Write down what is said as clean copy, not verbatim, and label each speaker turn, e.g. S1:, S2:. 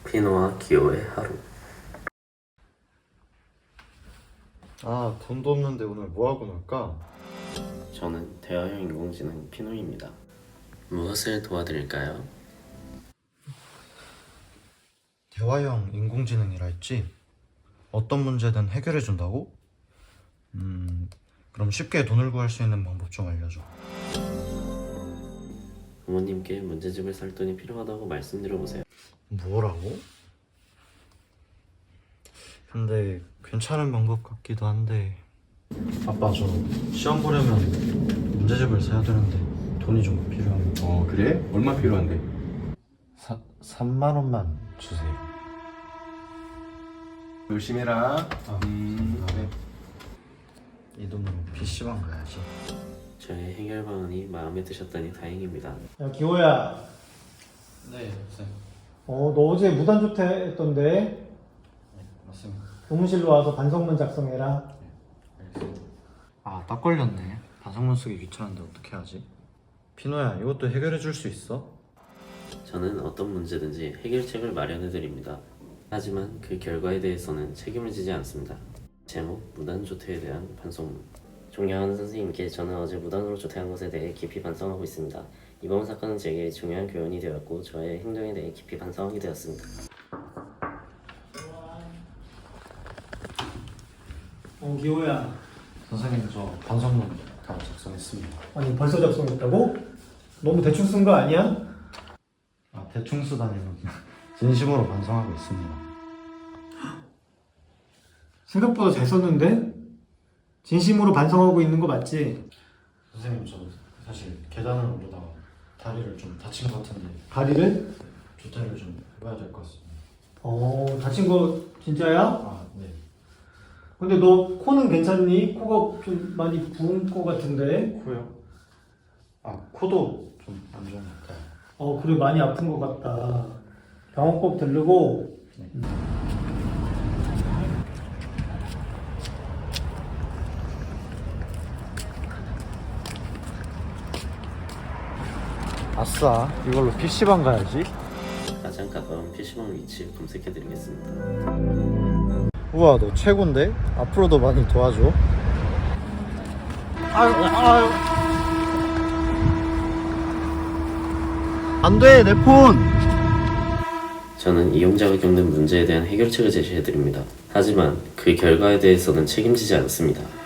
S1: 피노와 기호의 하루.
S2: 아, 돈도 없는데 오늘 뭐하고 놀까?
S1: 저는 대화형 인공지능 피노입니다. 무엇을 도와드릴까요?
S2: 대화형 인공지능이라 했지? 어떤 문제든 해결해준다고? 그럼 쉽게 돈을 구할 수 있는 방법 좀 알려줘.
S1: 부모님께 문제집을 살 돈이 필요하다고 말씀드려보세요.
S2: 뭐라고? 근데 괜찮은 방법 같기도 한데. 아빠, 저 시험 보려면 문제집을 사야 되는데 돈이 좀 필요합니다.
S3: 그래? 얼마 필요한데?
S2: 3만 원만 주세요.
S3: 열심히 해라.
S2: 그래. 이 돈으로 PC방 가야지.
S1: 저의 해결 방안이 마음에 드셨다니 다행입니다.
S4: 야, 기호야.
S2: 네, 쌤.
S4: 너 어제 무단조퇴 했던데?
S2: 네, 맞습니다.
S4: 교무실로 와서 반성문 작성해라.
S2: 아, 딱 걸렸네. 반성문 쓰기 귀찮은데 어떻게 하지? 피노야, 이것도 해결해 줄 수 있어?
S1: 저는 어떤 문제든지 해결책을 마련해 드립니다. 하지만 그 결과에 대해서는 책임을 지지 않습니다. 제목, 무단조퇴에 대한 반성문. 존경하는 선생님께 저는 어제 무단으로 조퇴한 것에 대해 깊이 반성하고 있습니다. 이번 사건은 제게 중요한 교훈이 되었고 저의 행동에 대해 깊이 반성하게 되었습니다.
S4: 기호야.
S2: 선생님, 저 반성문 다 작성했습니다.
S4: 아니, 벌써 작성했다고? 너무 대충 쓴 거 아니야?
S2: 아, 대충 쓰다니는 진심으로 반성하고 있습니다.
S4: 생각보다 잘 썼는데? 진심으로 반성하고 있는 거 맞지?
S2: 선생님, 저 사실 계단을 오르다가 다리를 좀 다친 것 같은데
S4: 다리를?
S2: 조퇴를 좀 해봐야 될 것 같습니다.
S4: 다친 거 진짜야?
S2: 아, 네.
S4: 근데 너 코는 괜찮니? 코가 좀 많이 부은 거 같은데?
S2: 코요? 아, 코도 좀 안 좋은 것 같아요.
S4: 그래, 많이 아픈 거 같다. 병원 꼭 들르고.
S2: 아싸, 이걸로 PC방 가야지.
S1: 가장 가까운 PC방 위치 검색해 드리겠습니다.
S2: 우와, 너 최고인데? 앞으로도 많이 도와줘. 아유. 안 돼, 내 폰!
S1: 저는 이용자가 겪는 문제에 대한 해결책을 제시해 드립니다. 하지만 그 결과에 대해서는 책임지지 않습니다.